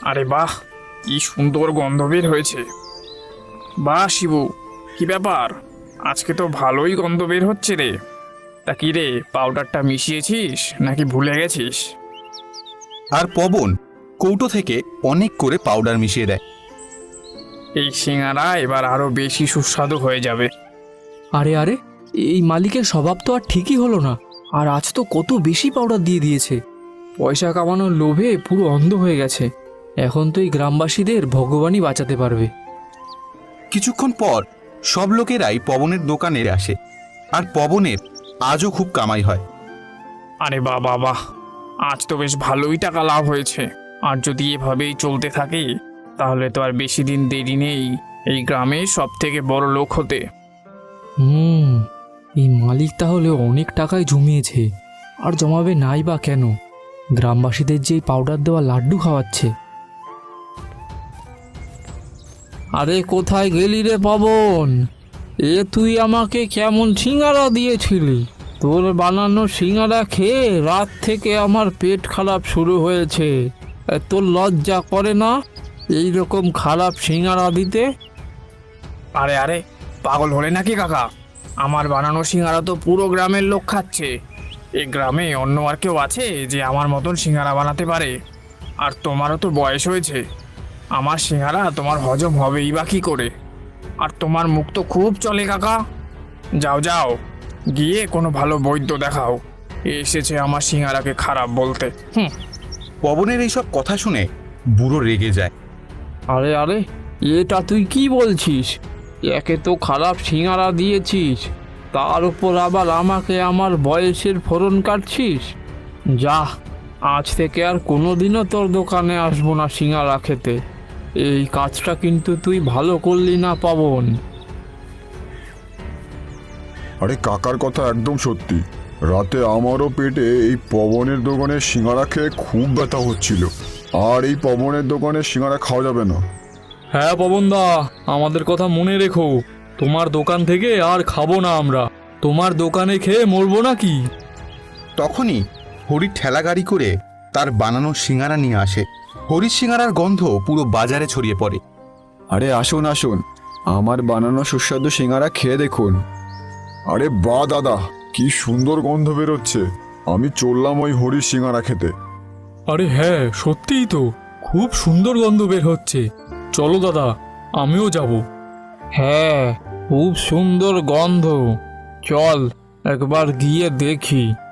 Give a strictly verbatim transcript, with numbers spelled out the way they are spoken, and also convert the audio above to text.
আরে বাহ, কি সুন্দর গন্ধ বের হয়েছে। বাহ শিবু, কি ব্যাপার, আজকে তো ভালোই গন্ধ বের হচ্ছে রে। তা কি রে, পাউডারটা মিশিয়েছিস নাকি ভুলে গেছিস? আর পবন কৌটো থেকে অনেক করে পাউডার মিশিয়ে দেয়। এই সিঙ্গারা এবার আরো বেশি সুস্বাদু হয়ে যাবে। আরে আরে, এই মালিকের স্বভাব তো আর ঠিকই হলো না। আর আজ তো কত বেশি পাউডার দিয়ে দিয়েছে। পয়সা কামানোর লোভে পুরো অন্ধ হয়ে গেছে। এখন তো এই গ্রামবাসীদের ভগবানই বাঁচাতে পারবে। কিছুক্ষণ পর সব লোকেরাই পবনের দোকানে আসে, আর পবনের আজও খুব কামাই হয়। আরে বাহ বাহ বাহ, আজ তো বেশ ভালোই টাকা লাভ হয়েছে। আর যদি এভাবেই চলতে থাকে তাহলে তো আর বেশি দিন দেরি নেই এই গ্রামে সব থেকে বড় লোক হতে। হুম, এই মালিক তাহলে অনেক টাকাই জমিয়েছে। আর জমাবে নাই বা কেন? গ্রামবাসীদের যে পাউডার দেওয়া লাড্ডু খাওয়াচ্ছে। আরে কোথায় গেলি রে পবন? এ তুই আমাকে কেমন সিঙ্গারা দিয়েছিলি? তোর বানানো সিঙ্গারা খেয়ে রাত থেকে আমার পেট খারাপ শুরু হয়েছে। এ, তোর লজ্জা করে না এই রকম খারাপ সিঙ্গারা দিতে? আরে আরে, পাগল হলে নাকি কাকা? আমার বানানো সিঙ্গারা তো পুরো গ্রামের লোক খাচ্ছে। এই গ্রামে অন্য আর কেউ আছে যে আমার মতন সিঙ্গারা বানাতে পারে? আর তোমারও তো বয়স হয়েছে, আমার সিঙ্গারা তোমার হজম হবেই বা কী করে? আর তোমার মুখ তো খুব চলে কাকা। যাও যাও, গিয়ে কোনো ভালো বৈদ্য দেখাও। এ এসেছে আমার সিঙ্গারাকে খারাপ বলতে। হুম। পবনের এইসব কথা শুনে বুড়ো রেগে যায়। আরে আরে, এটা তুই কি বলছিস? একে তো খারাপ সিঙ্গারা দিয়েছিস, তার উপর আবার আমাকে আমার বয়সের ফোড়ন কাটছিস। যা, আজ থেকে আর কোনোদিনও তোর দোকানে আসবো না সিঙ্গারা খেতে। এই কাজটা কিন্তু তুই ভালো করলি না পবন। আরে কাকার কথা একদম সত্যি। রাতে আমারও পেটে এই পবনের দোকানে সিঙ্গারা খেয়ে খুব ব্যথা হচ্ছিল। আর এই পবনের দোকানে সিঙ্গারা খাওয়া যাবে না। হ্যাঁ পবনদা, আমাদের কথা মনে রেখো। তোমার দোকান থেকে আর খাবো না আমরা। তোমার দোকানে খেয়ে মরবো নাকি? তখনই হরি ঠেলা গাড়ি করে তার বানানো সিঙ্গারা নিয়ে আসে। হরির সিঙ্গারার গন্ধ পুরো বাজারে ছড়িয়ে পড়ে। আরে আসুন আসুন, আমার বানানো সুস্বাদু সিঙ্গারা খেয়ে দেখুন। আরে বাহ দাদা, কি সুন্দর গন্ধ বেরোচ্ছে। আমি চললাম ওই হরির সিঙ্গারা খেতে। আরে হ্যাঁ, সত্যিই তো খুব সুন্দর গন্ধ বের হচ্ছে। চলো দাদা, আমিও যাব। হ্যাঁ, খুব সুন্দর গন্ধ। চল একবার গিয়ে দেখি।